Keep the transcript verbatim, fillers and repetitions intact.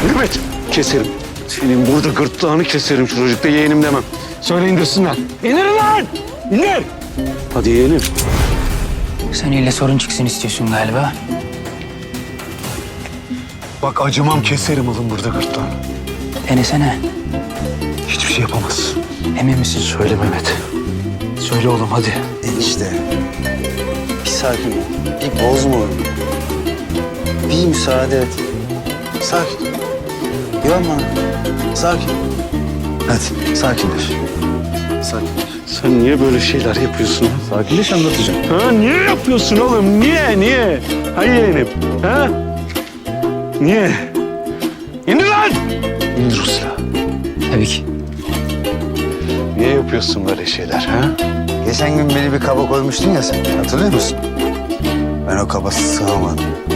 Mehmet keserim. Senin burada gırtlağını keserim, çocukta yeğenim demem. Söyle indirsinler. İndirin lan! İndir! Hadi yeğenim. Sen ille sorun çıksın istiyorsun galiba. Bak acımam, keserim alın burada gırtlağını. Denesene. Hiçbir şey yapamaz. Emin misin? Söyle Mehmet. Söyle oğlum hadi. Enişte. Bir sakin ol. Bir bozma onu. Bir müsaade et. Sakin. Yorma. Sakin. Hadi sakinleş. Sakinleş. Sen niye böyle şeyler yapıyorsun? Sakinleş anlatacağım. Ha niye yapıyorsun oğlum? Niye? Niye? Ha yeğenim? Ha? Niye? İndir lan! İndir o silahı. Tabii ki. Niye yapıyorsun böyle şeyler ha? Geçen gün beni bir kaba koymuştun ya sen. Hatırlıyor musun? Ben o kaba sığamadım.